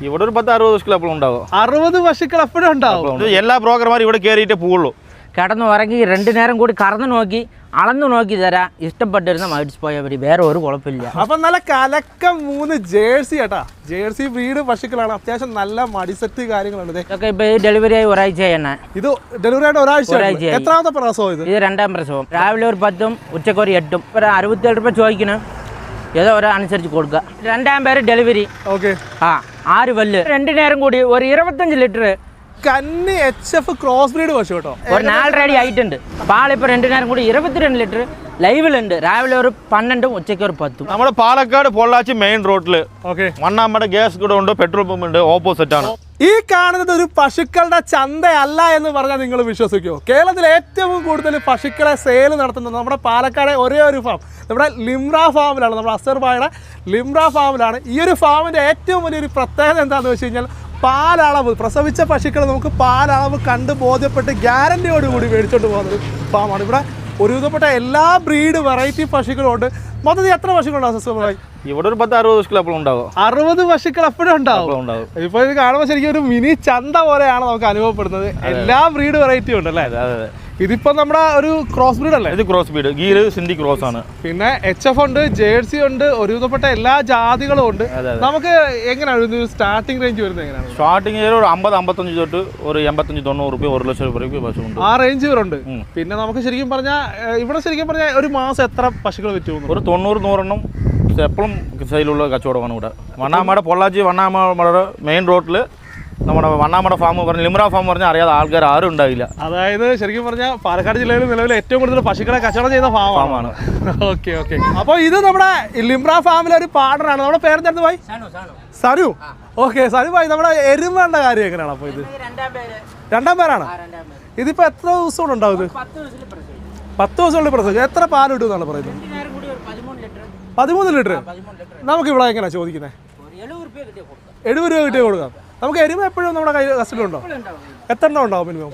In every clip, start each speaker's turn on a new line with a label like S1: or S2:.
S1: ഇവിടെ ഒരു 10-60 പശുക്കൾ എപ്പോഴും ഉണ്ടാവും.
S2: 60 പശുക്കൾ എപ്പോഴും ഉണ്ടാവും.
S1: എല്ലാ ബ്രോക്കർമാരും ഇവിടെ കയറിയിട്ടേ പോവുള്ളൂ.
S3: കിടന്നു ഉറങ്ങി 2 നേരം കൂടി കറന്നു നോക്കി അളന്നു നോക്കി തരാം. ഇഷ്ടപ്പെട്ടിരുന്ന മേടിച്ച് പോയാൽ മതി, വേറെ ഒരു കുഴപ്പമില്ല.
S2: അപ്പം നല്ല കലക്കം 3 ജേഴ്സി കേട്ടാ. ജേഴ്സി ബ്രീഡ് പശുക്കളാണ്. അത്യാവശ്യം നല്ല മടിസെറ്റ് കാര്യങ്ങളുണ്ട്.
S3: ഇതൊക്കെ ഇപ്പൊ ഡെലിവറി ആയി ഒരാഴ്ച തന്നെ.
S2: ഇത് ഡെലിവറി ആയിട്ട് ഒരാഴ്ച. എത്രാമത്തെ പ്രസവം ഇത്?
S3: ഇത് 2ാം പ്രസവം. രാവിലെ ഒരു 10ഉം ഉച്ചക്ക് ഒരു 8ഉം. ഒരു 67 രൂപ ചോദിക്കണം, ഏതോ അനുസരിച്ച് കൊടുക്കുക. 2ാം പേര് ഡെലിവറി.
S2: ഓക്കെ.
S3: 6 പല്ല്. 2 നേരം കൂടി ഒരു 25 ലിറ്റർ
S2: കന്നി HF ക്രോസ് ബ്രീഡ് പശു കേട്ടോ.
S3: ഒരു 4 റെഡി ആയിട്ടുണ്ട്. പാലിപ്പോൾ 2 നേരം കൂടി 22 ലിറ്റർ ലൈവിലുണ്ട്. രാവിലെ ഒരു 12ഉം ഉച്ചയ്ക്ക് ഒരു 10ഉം.
S1: നമ്മുടെ പാലക്കാട് പൊള്ളാച്ചി മെയിൻ റോഡിൽ മണ്ണാമ്പട ഗ്യാസ് കൂടെ ഉണ്ട്, പെട്രോൾ പമ്പ് ഉണ്ട്, ഓപ്പോസിറ്റ് ആണ്.
S2: ഈ കാണുന്നത് ഒരു പശുക്കളുടെ ചന്തയല്ല എന്ന് പറഞ്ഞാൽ നിങ്ങൾ വിശ്വസിക്കുമോ? കേരളത്തിൽ ഏറ്റവും കൂടുതൽ പശുക്കളെ സെയിൽ നടത്തുന്നത് നമ്മുടെ പാലക്കാട് ഒരേ ഒരു ഫാം, നമ്മുടെ ലിംറ ഫാമിലാണ്. നമ്മുടെ അസർബായുടെ ലിംറ ഫാമിലാണ്. ഈ ഒരു ഫാമിൻ്റെ ഏറ്റവും വലിയൊരു പ്രത്യേകത എന്താണെന്ന് വെച്ച് കഴിഞ്ഞാൽ പാലളവ്, പ്രസവിച്ച പശുക്കൾ നമുക്ക് പാലളവ് കണ്ട് ബോധ്യപ്പെട്ട് ഗ്യാരണ്ടിയോടുകൂടി മേടിച്ചോണ്ട് പോകുന്നൊരു ഫാമാണ്. ഇവിടെ ഒരുവിധപ്പെട്ട എല്ലാ ബ്രീഡ് വെറൈറ്റി പശുക്കളുണ്ട്. മൊത്തത്തിൽ എത്ര പശുക്കളുണ്ടാവും സസ്യമായി?
S1: ഇവിടെ ഒരു 10-60 പശുക്കൾ എപ്പോഴും ഉണ്ടാവും.
S2: 60 പശുക്കൾ എപ്പോഴും ഉണ്ടാവും. ഇപ്പൊ ഇത് കാണുമ്പോൾ ശരിക്കും ഒരു മിനി ചന്ത പോലെയാണ് നമുക്ക് അനുഭവപ്പെടുന്നത്. എല്ലാ ബ്രീഡ് വെറൈറ്റിയും ഉണ്ടല്ലേ? ഇതിപ്പോ നമ്മുടെ ഒരു ക്രോസ് ബ്രീഡ് അല്ലേ? ഇത്
S1: cross breed, Gir Sindhi cross ആണ്.
S2: പിന്നെ HF ഉണ്ട്, ജേഴ്സി ഉണ്ട്, ഒരുവിധപ്പെട്ട എല്ലാ ജാതികളും ഉണ്ട്. നമുക്ക് എങ്ങനെയാണ് സ്റ്റാർട്ടിംഗ് റേഞ്ച് വരുന്നത്? എങ്ങനെയാണ്
S1: സ്റ്റാർട്ടിംഗ് ഒരു 50-55 തൊട്ട് ഒരു 85-90 രൂപ 1 ലക്ഷം രൂപ പശുണ്ട്.
S2: ആ റേഞ്ച് വരുന്നുണ്ട്. പിന്നെ നമുക്ക് ശരിക്കും പറഞ്ഞാൽ ഇവിടെ ശരിക്കും പറഞ്ഞാൽ ഒരു മാസം എത്ര പശുക്കൾ വിറ്റ്?
S1: ഒരു 90-100 എപ്പോഴും സൈലുള്ള കച്ചവടമാണ് ഇവിടെ. വണ്ണാമട പൊള്ളാച്ചി വണ്ണാമട മെയിൻ റോഡിൽ നമ്മുടെ വണ്ണാമട ഫാം പറഞ്ഞ ലിംറ ഫാം പറഞ്ഞാൽ അറിയാതെ ആൾക്കാർ ആരും ഉണ്ടാവില്ല.
S2: അതായത് ശരിക്കും പറഞ്ഞാൽ പാലക്കാട് ജില്ലയിൽ നിലവിൽ ഏറ്റവും കൂടുതൽ പശുക്കളെ കച്ചവടം ചെയ്യുന്ന ഫാമാണ്. ഓക്കെ. അപ്പോൾ ഇത് നമ്മുടെ ലിംറ ഫാമിലെ ഒരു പാർട്ണറാണ്. നമ്മുടെ പേരെന്തായിരുന്നു ഭായി? സനു. ഓക്കെ സനു ഭായി, നമ്മുടെ എരുമയുടെ കാര്യം എങ്ങനെയാണ്? അപ്പോൾ ഇത് 2ാം പേരാണ്. ഇതിപ്പോ എത്ര ദിവസം കൊണ്ട് ഉണ്ടാവും? ഇത് 10 ദിവസമുള്ള പ്രസവിച്ചു. എത്ര പാൽ കിട്ടുമെന്നാണ് പറയുന്നത്? 13 ലിറ്റർ. നമുക്ക് ഇവിടെ എങ്ങനെയാണ് ചോദിക്കുന്നത്? 70 രൂപ കിട്ടിയ കൊടുക്കാം. നമുക്ക് എരുമ എപ്പോഴും നമ്മുടെ കയ്യിൽ കസ്റ്റഡിയിലുണ്ടോ? എത്ര എണ്ണം ഉണ്ടാവും മിനിമം?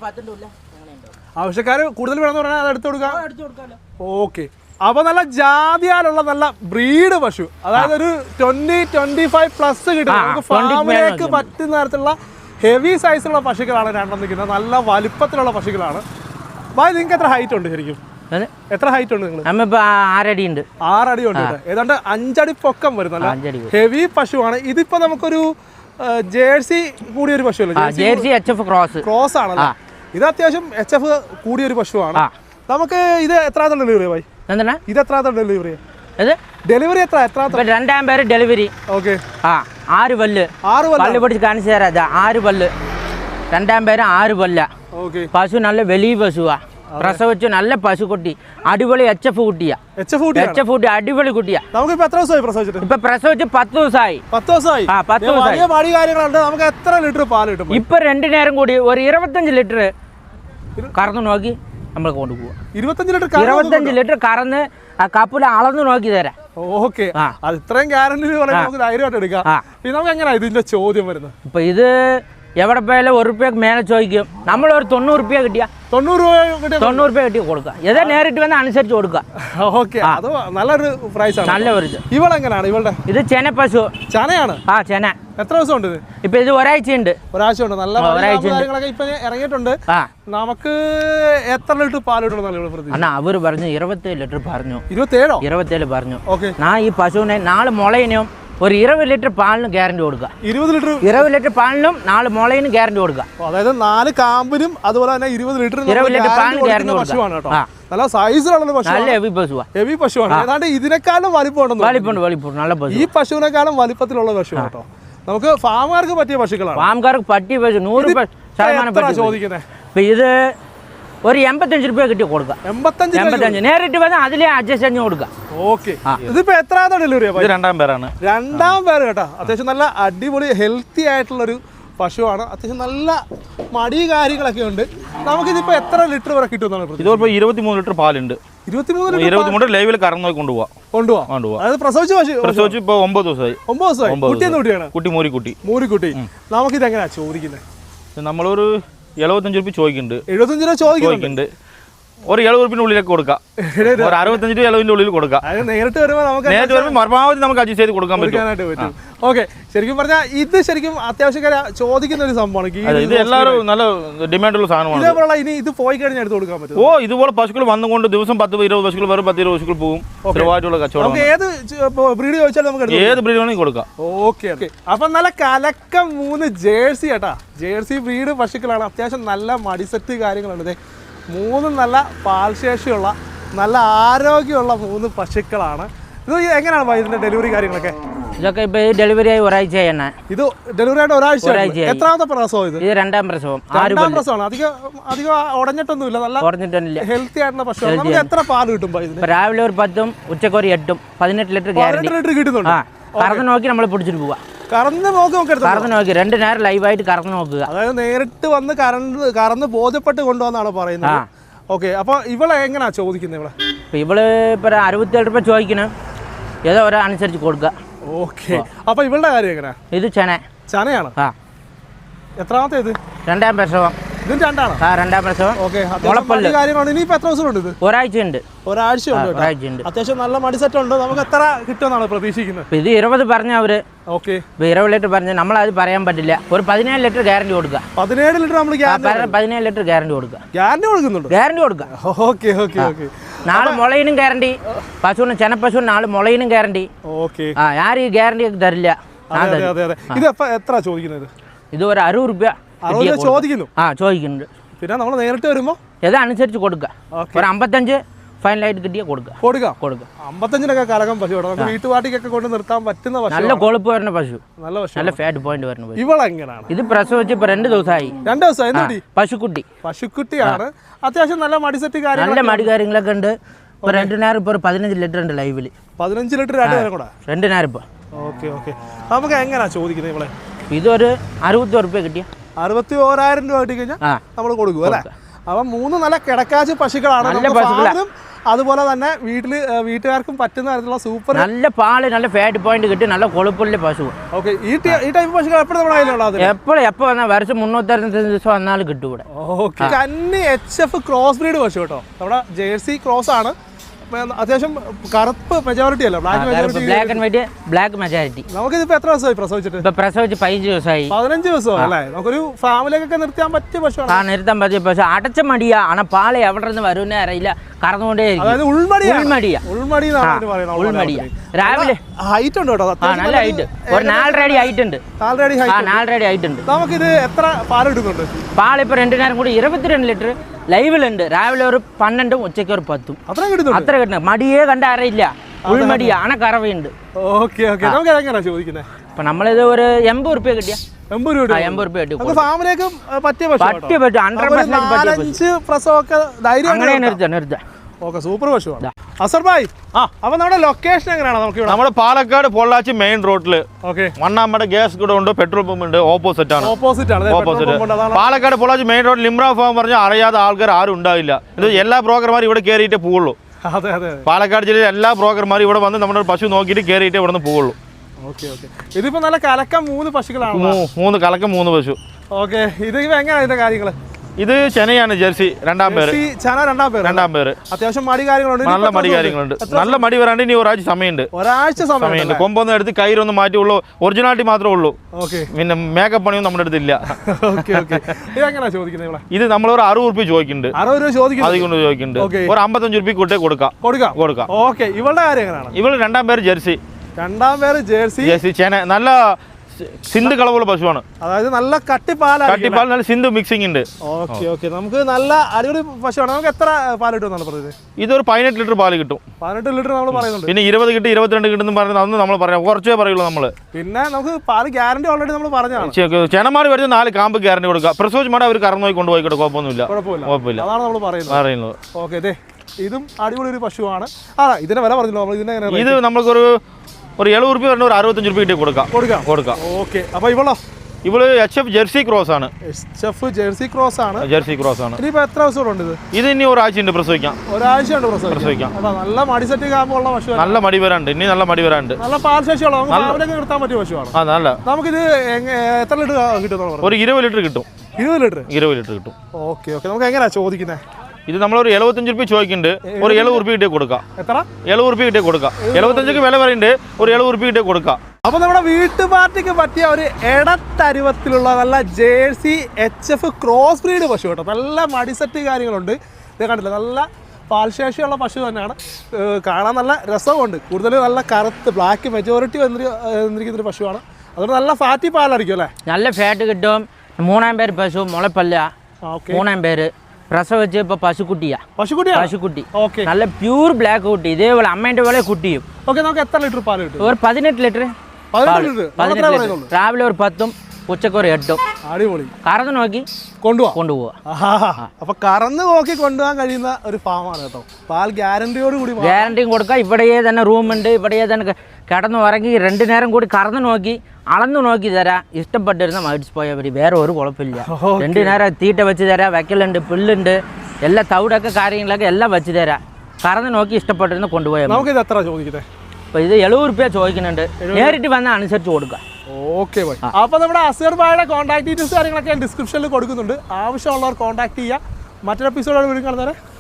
S2: ആവശ്യക്കാർ കൂടുതൽ വേണമെന്ന് പറഞ്ഞാൽ അത് എടുത്തു കൊടുക്കാം. ഓക്കെ. അപ്പോൾ നല്ല ജാതിയാലുള്ള നല്ല ബ്രീഡ് പശു, അതായത് ഒരു 20-25+ കിട്ടും. നമുക്ക് ഫാമിലേക്ക് പറ്റുന്ന തരത്തിലുള്ള ഹെവി സൈസുള്ള പശുക്കളാണ് 2 നിൽക്കുന്നത്. നല്ല വലിപ്പത്തിലുള്ള പശുക്കളാണ്. ഭായ്, നിങ്ങൾക്ക് എത്ര ഹൈറ്റ് ഉണ്ട് ശരിക്കും? എത്ര ഹൈറ്റ് ഉണ്ട് നിങ്ങൾ?
S3: 6 അടി ഉണ്ട്.
S2: 6 അടി ഉണ്ട്. ഏതാണ്ട് 5 അടി പൊക്കം വരുന്നല്ല ഹെവി പശുവാണ്. ഇതിപ്പോ നമുക്കൊരു ജേഴ്സി കൂടിയൊരു പശുവല്ലേ?
S3: ജേഴ്സി HF ക്രോസ്
S2: ആണല്ലോ. ഇത് അത്യാവശ്യം HF കൂടിയൊരു പശുവാണ്. നമുക്ക് ഇത് എത്രാമത്തെ ഡെലിവറി ഭായി? ഇത് എത്രാമത്തെ ഡെലിവറി? ഡെലിവറി എത്ര?
S3: 2ാം പേര് ഡെലിവറി.
S2: ഓക്കെ.
S3: 6 പല്ല്. 6 പല്ല് പിടിച്ച് കാണിച്ചു തരാം. 6 പല്ല്. 2ാം പേര് 6 പല്ല. പശു നല്ല വലിയ പശുവാ. പ്രസവിച്ചു നല്ല പശുക്കുട്ടി, അടിപൊളി HF കുട്ടിയാ. HF കുട്ടി അടിപൊളി കുട്ടിയാ.
S2: നമുക്ക് എത്ര ദിവസമായി പ്രസവിച്ചിട്ട്?
S3: ഇപ്പൊ പ്രസവിച്ച് 10 ദിവസമായി.
S2: 10 ദിവസമായി. 10 ദിവസമായി. നമുക്ക് എത്ര ലിറ്റർ പാൽ കിട്ടും?
S3: ഇപ്പൊ 2 നേരം കൂടി ഒരു 25 ലിറ്റർ കറന്നു നോക്കി നമ്മൾ കൊണ്ടുപോവാ. 25 ലിറ്റർ കറന്ന് ആ കപ്പിൽ അളന്ന് നോക്കി തരാം.
S2: ഓക്കെ. അത് ഇത്രയും ഗ്യാരണ്ടി നമുക്ക് ധൈര്യമായിട്ട് എടുക്കാം. പിന്നെ നമുക്ക് എങ്ങനെയാ ഇതിന്റെ ചോദ്യം വരുന്നത്?
S3: ഇപ്പൊ ഇത് എവിടെ പോയാലും 1 രൂപയ്ക്ക് മേലെ ചോദിക്കും. നമ്മൾ ഒരു 90 രൂപ കിട്ടിയാ
S2: 90
S3: രൂപ കിട്ടി കൊടുക്കുക. ഏതാ നേരിട്ട് വന്ന് അനുസരിച്ച് കൊടുക്കുക.
S2: ഓക്കെ. അത് നല്ലൊരു പ്രൈസ് ആണ്.
S3: നല്ല ഒരു
S2: ഇവളെങ്ങനെയാണ്? ഇവളുടെ ഇത്
S3: ചെന പശു.
S2: ചനയാണ്?
S3: ചെന.
S2: എത്ര ദിവസം ഉണ്ട് ഇത്?
S3: ഇപ്പൊ ഇത് ഒരാഴ്ച ഉണ്ട്.
S2: നല്ല കാര്യങ്ങളൊക്കെ ഇപ്പൊ ഇറങ്ങിയിട്ടുണ്ട്. നമുക്ക് എത്ര ലിറ്റർ പാൽ കിട്ടണം?
S3: അവര് പറഞ്ഞു 27 ലിറ്റർ പറഞ്ഞു.
S2: 27
S3: പറഞ്ഞു. ഞാൻ ഈ പശുവിനെ 4 മുളയിനും ഒരു 20 ലിറ്റർ പാലിനും ഗ്യാരണ്ടി കൊടുക്കുക. 20 ലിറ്റർ പാലിനും 4 മുളയിനും ഗ്യാരണ്ടി കൊടുക്കുക.
S2: അതായത് 4 കാമ്പിനും അതുപോലെ തന്നെ 20 ലിറ്റർ
S3: പാലിന് ഗ്യാരണ്ടി കൊടുക്കുക.
S2: നല്ല സൈസിലുള്ള പശു,
S3: നല്ല ഹെവി പശുവാണ്.
S2: ഏതാണ്ട് ഇതിനേക്കാളും
S3: വലിപ്പം നല്ല പശു.
S2: ഈ പശുവിനേക്കാളും വലിപ്പത്തിലുള്ള പശു കേട്ടോ. നമുക്ക് ഫാമുകാർക്ക് പറ്റിയ പശുക്കളാണ്.
S3: ഫാമുകാർക്ക് പറ്റിയ പശു 100% ചോദിക്കുന്നത്. ഇത് ഒരു 85 രൂപ കിട്ടി കൊടുക്കുക. 85 നേരിട്ട് വന്നാൽ അതിലെ അഡ്ജസ്റ്റ് ചെയ്ത് കൊടുക്കുക.
S2: ഓക്കെ. ഇതിപ്പോ എത്രാമത്തെ ഡെലിവറി?
S1: 2ാം പേരാണ്.
S2: 2ാം പേര് കേട്ടോ. അത്യാവശ്യം നല്ല അടിപൊളി ഹെൽത്തി ആയിട്ടുള്ളൊരു പശുവാണ്. അത്യാവശ്യം നല്ല മടി കാര്യങ്ങളൊക്കെ ഉണ്ട്. നമുക്കിതിപ്പോ എത്ര ലിറ്റർ വരെ കിട്ടും?
S1: ഇതിപ്പോ 23 ലിറ്റർ പാലുണ്ട്. 23 ലൈവിൽ കറന്നു കൊണ്ടുപോവാം.
S2: അതായത് പ്രസവിച്ച്
S1: ഇപ്പൊ 9 ദിവസമായി.
S2: 9 ദിവസമായി. കുട്ടിയാണ്?
S1: കുട്ടി
S2: മൂരിക്കുട്ടി. നമുക്കിത് എങ്ങനെയാ ചോദിക്കുന്നത്?
S1: നമ്മളൊരു 75 രൂപ ചോദിക്കുന്നുണ്ട്.
S2: 75 രൂപ ചോദിക്കുന്നുണ്ട്.
S1: ഒരു 70 ഉള്ളിലേക്ക് കൊടുക്കാം. ഒരു 65 to 70 ഉള്ളിൽ കൊടുക്കാം.
S2: നേരിട്ട് വരുമ്പോൾ നമുക്ക്
S1: പരമാവധി നമുക്ക് അഡ്ജസ്റ്റ് ചെയ്ത് കൊടുക്കാൻ പറ്റും.
S2: ഓക്കെ, ശരിക്കും പറഞ്ഞാൽ ഇത് ശരിക്കും അത്യാവശ്യക്കാരെ ചോദിക്കുന്ന ഒരു സംഭവമാണ്.
S1: ഇത് എല്ലാവരും നല്ല ഡിമാൻഡുള്ള സാധനമാണ്.
S2: ഇതേപോലെ ഇനി ഇത് പോയി കഴിഞ്ഞാൽ എടുത്ത് കൊടുക്കാൻ പറ്റും.
S1: ഇതുപോലെ പശുക്കൾ വന്നുകൊണ്ട് ദിവസം 10-20 പശുക്കൾ വരും, 10-20 പശുക്കൾ പോകും. സ്ഥിരമായിട്ടുള്ള കച്ചവടം.
S2: ഏത് ബ്രീഡ് ചോദിച്ചാലും നമുക്ക്
S1: ഏത് ബ്രീഡ് വേണമെങ്കിൽ കൊടുക്കാം.
S2: Okay okay. അപ്പം നല്ല കലക്കം 3 ജേഴ്സി കേട്ടാ. ജേഴ്സി ബ്രീഡ് പശുക്കളാണ്. അത്യാവശ്യം നല്ല മടിസെറ്റ് കാര്യങ്ങളുണ്ട്. 3 നല്ല പാൽശേഷിയുള്ള നല്ല ആരോഗ്യമുള്ള 3 പശുക്കളാണ്. ഇത് എങ്ങനെയാണ് ഇതിന്റെ ഡെലിവറി കാര്യങ്ങളൊക്കെ?
S3: ഇതൊക്കെ ഇപ്പൊ ഡെലിവറി ആയി ഒരാഴ്ചയാണ്.
S2: ഇത് ഡെലിവറി ആയിട്ട് ഒരാഴ്ച. എത്രാമത്തെ പ്രസവം ഇത്?
S3: ഇത് 2ാം പ്രസവം.
S2: 2ാം പ്രസവമാണ്. അധികം ഉടഞ്ഞിട്ടൊന്നുമില്ല. നല്ല ഹെൽത്തി ആയിട്ടുള്ള പശു. നമുക്ക് എത്ര പാല് കിട്ടും?
S3: രാവിലെ ഒരു 10ഉം ഉച്ചക്ക് ഒരു 8ഉം 18 ലിറ്റർ ഗ്യാരണ്ടി
S2: കിട്ടുന്നുണ്ട്.
S3: കറന്ന് നോക്കി നമ്മൾ പിടിച്ചിട്ട് പോവാ.
S2: കറന്ന് നോക്കി
S3: 2 നേരം ലൈവായിട്ട് കറന്ന് നോക്കുക.
S2: അതായത് നേരിട്ട് വന്ന് കറന്ന് ബോധ്യപ്പെട്ട് കൊണ്ടുവന്നാണ് പറയുന്നത്. ഓക്കെ, അപ്പൊ ഇവളെ എങ്ങനെയാ ചോദിക്കുന്നത്?
S3: ഇവള് ഇപ്പൊ 67 രൂപ ചോദിക്കണം. ഏതോ അനുസരിച്ച് കൊടുക്കുക.
S2: ഓക്കെ, അപ്പൊ ഇവളുടെ കാര്യം എങ്ങനെയാ?
S3: ഇത് ചനയാണ്.
S2: എത്രാമത്തെ ഇത്?
S3: 2ാം പ്രസവം.
S2: ഇതും 2ആണ്.
S3: 2ാം പ്രസവം.
S2: കാര്യമാണ്. ഇനിയിപ്പോ എത്ര ദിവസം ഉണ്ട്?
S3: ഒരാഴ്ചയുണ്ട്.
S2: ഒരാഴ്ചയുണ്ട്. അത്യാവശ്യം നല്ല മടിസെറ്റ് ഉണ്ട്. നമുക്ക് എത്ര കിട്ടുമെന്നാണ് പ്രതീക്ഷിക്കുന്നത്?
S3: ഇത് 20 പറഞ്ഞ അവര്.
S2: ഓക്കെ,
S3: 20 ലിറ്റർ പറഞ്ഞ നമ്മളത് പറയാൻ പറ്റില്ല. ഒരു 17 ലിറ്റർ ഗ്യാരണ്ടി കൊടുക്കുക.
S2: 17 ലിറ്റർ നമ്മൾ
S3: 17 ലിറ്റർ ഗ്യാരണ്ടി കൊടുക്കുക.
S2: ഗ്യാരണ്ടി കൊടുക്കുക. Okay okay okay.
S3: നാളെ മുളയിനും ഗ്യാരണ്ടി. പശുവിന് ചെനപ്പശുവിന് നാളെ മുളയിനും ഗ്യാരണ്ടി.
S2: ഓക്കെ,
S3: ആരും ഈ ഗ്യാരണ്ടി തരില്ല.
S2: ഇത് എത്ര ചോദിക്കുന്നത്?
S3: ഇത് ഒരു 60 രൂപ
S2: ചോദിക്കുന്നു.
S3: ചോദിക്കുന്നുണ്ട്.
S2: പിന്നെ നമ്മൾ നേരിട്ട് വരുമ്പോ
S3: ഏതനുസരിച്ച് കൊടുക്കുക. ഒരു 55 ഫൈനലായിട്ട് കിട്ടിയ കൊടുക്കാം.
S2: 55-നൊക്കെ കലകം പശു. നമുക്ക് വീട്ടുപാട്ടിക്കൊക്കെ കൊണ്ട് നിർത്താൻ പറ്റുന്ന പശു.
S3: നല്ല കൊഴുപ്പ് വരുന്ന പശു.
S2: നല്ല
S3: ഫാറ്റ് പോയിന്റ് വരുന്ന പശു.
S2: ഇവളെങ്ങനെയാണ്?
S3: ഇത് പ്രസവിച്ച് ഇപ്പൊ 2 ദിവസമായി.
S2: 2 ദിവസമായി. പശുക്കുട്ടിയാണ്. അത്യാവശ്യം നല്ല മടിസെറ്റ് കാര്യങ്ങൾ,
S3: നല്ല മടി കാര്യങ്ങളൊക്കെ ഉണ്ട്. ഇപ്പൊ 2 നേരം ഇപ്പൊ 15 ലിറ്റർ ഉണ്ട് ലൈവില്.
S2: 15 ലിറ്റർ 2 നേരം കൂടെ.
S3: 2 നേരം ഇപ്പൊ.
S2: Okay okay. നമുക്ക് എങ്ങനെയാ ചോദിക്കുന്നത് ഇവളെ?
S3: ഇതൊരു 61 രൂപ കിട്ടിയ
S2: 61,000 രൂപ കിട്ടി കഴിഞ്ഞാൽ നമ്മൾ കൊടുക്കും അല്ലേ? അപ്പം 3 നല്ല കിടക്കാച്ച് പശുക്കളാണ്. അതുപോലെ തന്നെ വീട്ടുകാർക്കും പറ്റുന്ന തരത്തിലുള്ള സൂപ്പർ
S3: നല്ല പാല്, നല്ല ഫാറ്റ് പോയിന്റ് കിട്ടി, നല്ല കൊഴുപ്പുള്ള പശു.
S2: ഓക്കെ, ഈ ടൈപ്പ് പശുക്കൾ എപ്പോഴും നമ്മുടെ കയ്യിലുള്ളത്?
S3: എപ്പോ വന്നാൽ വർഷം 365 ദിവസം വന്നാലും കിട്ടും ഇവിടെ.
S2: ഓക്കെ, കന്നി HF ക്രോസ് ബ്രീഡ് പശു കേട്ടോ. നമ്മുടെ ജേഴ്സി ക്രോസ് ആണ്. അത്യാവശ്യം കറുപ്പ് മെജോറിറ്റി അല്ല,
S3: black and white, black majority.
S2: നമുക്കിതിപ്പോ എത്ര ദിവസമായി പ്രസവിച്ചിട്ട്?
S3: പ്രസവിച്ച് 15 ദിവസമായി.
S2: 15 ദിവസം അല്ലേ? നമുക്കൊരു ഫാമിലിയൊക്കെ നിർത്താൻ പറ്റിയ പശുവാണ്.
S3: നിർത്താൻ പറ്റിയ പശു. അടച്ച മടിയാ. ആണ പാല് എവിടെ നിന്ന് വരുന്നേ അറിയില്ല. കറന്നുകൊണ്ടേ ഉൾമടിയാ. രാവിലെ
S2: ഹൈറ്റ് ഉണ്ട് കേട്ടോ.
S3: നല്ല ഹൈറ്റ്. ഒരു 4 അടി ഹൈറ്റ് ഉണ്ട്. 4 അടി ഹൈറ്റ് ഉണ്ട്.
S2: നമുക്കിത് എത്ര പാല് കിട്ടുന്നുണ്ട്?
S3: പാലിപ്പോ 2 നേരം കൂടി 22 ലിറ്റർ ലൈവിലുണ്ട്. രാവിലെ ഒരു 12ഉം ഉച്ചയ്ക്ക് ഒരു 10ഉം. അത്ര കിട്ടുന്നു. മടിയേ കണ്ട അറിയില്ല. ഉൾമടിയാ. കറവയുണ്ട്.
S2: Okay okay. നമുക്ക് എങ്ങനെയാ ചോദിക്കുന്നത്?
S3: അപ്പൊ നമ്മളിത് ഒരു 80 രൂപ കിട്ടിയ
S2: 80 രൂപ കിട്ടും. ഫാമിലേക്ക് പറ്റിയ
S3: പറ്റും. 100%
S2: പ്രസവമൊക്കെ ധൈര്യം
S3: അങ്ങനെ നിർത്താം.
S2: ഓക്കെ, സൂപ്പർ പശുവാണ്. അസർ ഭായ്, അപ്പൊ നമ്മുടെ ലൊക്കേഷൻ എങ്ങനെയാണ്?
S1: നമ്മുടെ പാലക്കാട് പൊള്ളാച്ചി മെയിൻ റോഡില് മണ്ണാമ്മയുടെ ഗ്യാസ് കൂടെ ഉണ്ട്, പെട്രോൾ പമ്പ് ഉണ്ട്. ഓപ്പോസിറ്റ് ആണ്. Palakkad Pollachi main road Limra farm പറഞ്ഞാൽ അറിയാത്ത ആൾക്കാർ ആരും ഉണ്ടാവില്ല. ഇത് എല്ലാ ബ്രോക്കർമാരും ഇവിടെ കയറിയിട്ടേ പോവുള്ളൂ. പാലക്കാട് ജില്ലയിൽ എല്ലാ ബ്രോക്കർമാരും ഇവിടെ വന്ന് നമ്മുടെ പശു നോക്കിയിട്ട് കയറിയിട്ടേ ഇവിടെ നിന്ന് പോവുള്ളൂ.
S2: ഇതിപ്പോ നല്ല കലക്കം 3 പശുക്കളാണ്.
S1: 3 കലക്കം 3 പശു.
S2: ഓക്കെ, ഇത് എങ്ങനെയാണ് ഇതിന്റെ കാര്യങ്ങള്?
S1: ഇത് ചെനയാണ്, ജെർസി 2ാം പേര്.
S2: അത്യാവശ്യം മടി കാര്യങ്ങളുണ്ട്.
S1: നല്ല മടി കാര്യങ്ങളുണ്ട്. നല്ല മടി വരാണ്ട് ഇനി ഒരാഴ്ച സമയമുണ്ട്. കൊമ്പൊന്നും എടുത്ത് കയ്യിലൊന്നും മാറ്റിയുള്ളൂ. ഒറിജിനാലിറ്റി മാത്രമേ ഉള്ളൂ. പിന്നെ മേക്കപ്പ് പണിയൊന്നും നമ്മുടെ അടുത്തില്ല. ഇത് നമ്മൾ ഒരു 60 രൂപ ചോദിക്കുന്നുണ്ട്. അതുകൊണ്ട് ചോദിക്കുന്നുണ്ട്. ഒരു 55 രൂപ കൂട്ടേ കൊടുക്കാം.
S2: ഇവളുടെ കാര്യം എങ്ങനെയാണ്?
S1: ഇവള് 2ാം പേര് ജെർസി.
S2: 2ാം ജേഴ്സി
S1: ചെന. നല്ല സിന്ധ് കളവുള്ള പശുവാണ്.
S2: അതായത് നല്ല കട്ടിപ്പാൽ,
S1: നല്ല സിന്ധു മിക്സിംഗ് ഉണ്ട്.
S2: ഓക്കെ, നമുക്ക് നല്ല അടിപൊളി പശുവാണ്. നമുക്ക് എത്ര പാൽ കിട്ടുമെന്നാണ് പറയുന്നത്?
S1: ഇതൊരു 18 ലിറ്റർ പാല് കിട്ടും.
S2: 18 ലിറ്റർ നമ്മൾ പറയുന്നുണ്ട്.
S1: പിന്നെ 20 കിട്ടും, 22 കിട്ടും പറയുന്നത് അന്ന് നമ്മൾ പറയാം. കുറച്ചേ പറയുള്ളൂ നമ്മള്.
S2: പിന്നെ നമുക്ക് പാല് ഗ്യാരണ്ടി ഓൾറെഡി നമ്മൾ പറഞ്ഞതാണ്.
S1: ചെനമാട് വരുന്ന 4 കാമ്പ് ഗ്യാരണ്ടി കൊടുക്കുക. പ്രസവിച്ച് മാടെ അവർ കറന്നു പോയി കൊണ്ടുപോയിക്കോട്ടെ, കുഴപ്പമില്ല.
S2: അതാണ് നമ്മൾ പറയുന്നത്. ഓക്കെ, ഇതും അടിപൊളി ഒരു പശുവാണ്. ഇതിന്റെ വില പറഞ്ഞല്ലോ.
S1: ഇത് നമുക്കൊരു 70 രൂപ വരണ ഒരു 65 രൂപ കിട്ടി കൊടുക്കാം.
S2: ഓക്കെ, അപ്പൊ ഇവള്
S1: HF ജെർസി ക്രോസ് ആണ്.
S2: ജെർസി ക്രോസ് ആണ്. ഇനിയിപ്പോ എത്ര ദിവസം ഉണ്ട്?
S1: ഇത് ഇനി ഒരാഴ്ചയുണ്ട് പ്രസവിക്കാം.
S2: നല്ല മടി സെറ്റ് കാമ്പുള്ള പശു.
S1: നല്ല മടി വരാണ്ട്.
S2: നല്ല പാൽശേഷിയുള്ള നിർത്താൻ പറ്റിയ പശുവാണ്. നമുക്കിത് എത്ര ലിറ്റർ കിട്ടും?
S1: ഒരു 20 ലിറ്റർ കിട്ടും.
S2: 20 ലിറ്റർ
S1: കിട്ടും.
S2: ഓക്കെ, നമുക്ക് എങ്ങനെയാ ചോദിക്കുന്നത്?
S1: ഇത് നമ്മളൊരു 75 രൂപ ചോദിക്കുന്നുണ്ട്, ഒരു 70 രൂപ കിട്ടിയ കൊടുക്കാം.
S2: എത്ര?
S1: 70 രൂപ കിട്ടിയ കൊടുക്കാം. 75ക്ക് വില പറയുന്നുണ്ട്, ഒരു 70 രൂപ കിട്ടിയ കൊടുക്കാം.
S2: അപ്പോൾ നമ്മുടെ വീട്ടു പാർട്ടിക്ക് പറ്റിയ ഒരു ഇടത്തരുവത്തിലുള്ള നല്ല ജേഴ്സി HF ക്രോസ് ബ്രീഡ് പശു കേട്ടോ. നല്ല മടിസെറ്റ് കാര്യങ്ങളുണ്ട്. ഇത് കണ്ടില്ല, നല്ല പാൽശേഷിയുള്ള പശു തന്നെയാണ്. കാണാൻ നല്ല രസമുണ്ട്. കൂടുതൽ നല്ല കറുത്ത് ബ്ലാക്ക് മെജോറിറ്റി വന്നിരിക്കുന്നൊരു പശുവാണ്. അതുകൊണ്ട് നല്ല ഫാറ്റി പാലായിരിക്കും അല്ലേ?
S3: നല്ല ഫാറ്റ് കിട്ടും. 3 പേര് പശു മുളപ്പല്ല. 3 പേര് പ്രസവിച്ച് ഇപ്പോൾ പശുക്കുട്ടി നല്ല പ്യൂർ ബ്ലാക്ക് കുട്ടി. ഇതേപോലെ അമ്മേൻ്റെ പോലെ കുട്ടിയും.
S2: ഓക്കെ, നമുക്ക് എത്ര ലിറ്റർ പാൽ കിട്ടും?
S3: ഒരു 18 ലിറ്റർ. 18 ലിറ്റർ. രാവിലെ ഒരു 10ഉം ഉച്ചക്ക് ഒരു 8ഉം.
S2: അടിപൊളി.
S3: കറന്ന് നോക്കി കൊണ്ടുപോവാ.
S2: അപ്പൊ കറന്ന് നോക്കി കൊണ്ടുപോകാൻ കഴിയുന്ന ഒരു ഫാമാണ് കേട്ടോ. പാൽ ഗ്യാരണ്ടിയോട് കൂടി.
S3: ഗ്യാരണ്ടിയും കൊടുക്കാം. ഇവിടെയേ തന്നെ റൂമുണ്ട്. ഇവിടെയേ തന്നെ കിടന്ന് ഉറങ്ങി 2 നേരം കൂടി കറന്ന് നോക്കി അളന്നു നോക്കി തരാം. ഇഷ്ടപ്പെട്ടിരുന്ന മേടിച്ച് പോയാൽ മതി. വേറെ ഒരു കുഴപ്പമില്ല. 2 നേരം തീറ്റ വെച്ച് തരാം. വെക്കലുണ്ട്, പുല്ലുണ്ട്, എല്ലാ തവിടൊക്കെ കാര്യങ്ങളൊക്കെ എല്ലാം വെച്ച് തരാം. കറന്ന് നോക്കി ഇഷ്ടപ്പെട്ടിരുന്ന കൊണ്ടുപോയാൽ.
S2: നമുക്ക് ഇത് എത്ര ചോദിക്കട്ടെ?
S3: അപ്പോൾ ഇത് 70 രൂപ ചോദിക്കുന്നുണ്ട്. നേരിട്ട് വന്നാൽ അനുസരിച്ച് കൊടുക്കാം.
S2: Okay bye. അപ്പോൾ നമ്മുടെ അസീർ ഭായിയുടെ കോൺടാക്ട് ഡീറ്റെയിൽസ് കാര്യങ്ങളൊക്കെ ഡിസ്ക്രിപ്ഷനിൽ കൊടുക്കുന്നുണ്ട്. ആവശ്യമുള്ളവർ കോൺടാക്ട് ചെയ്യുക. മറ്റൊരു എപ്പിസോഡോട് വീണ്ടും കാണുന്നവരെ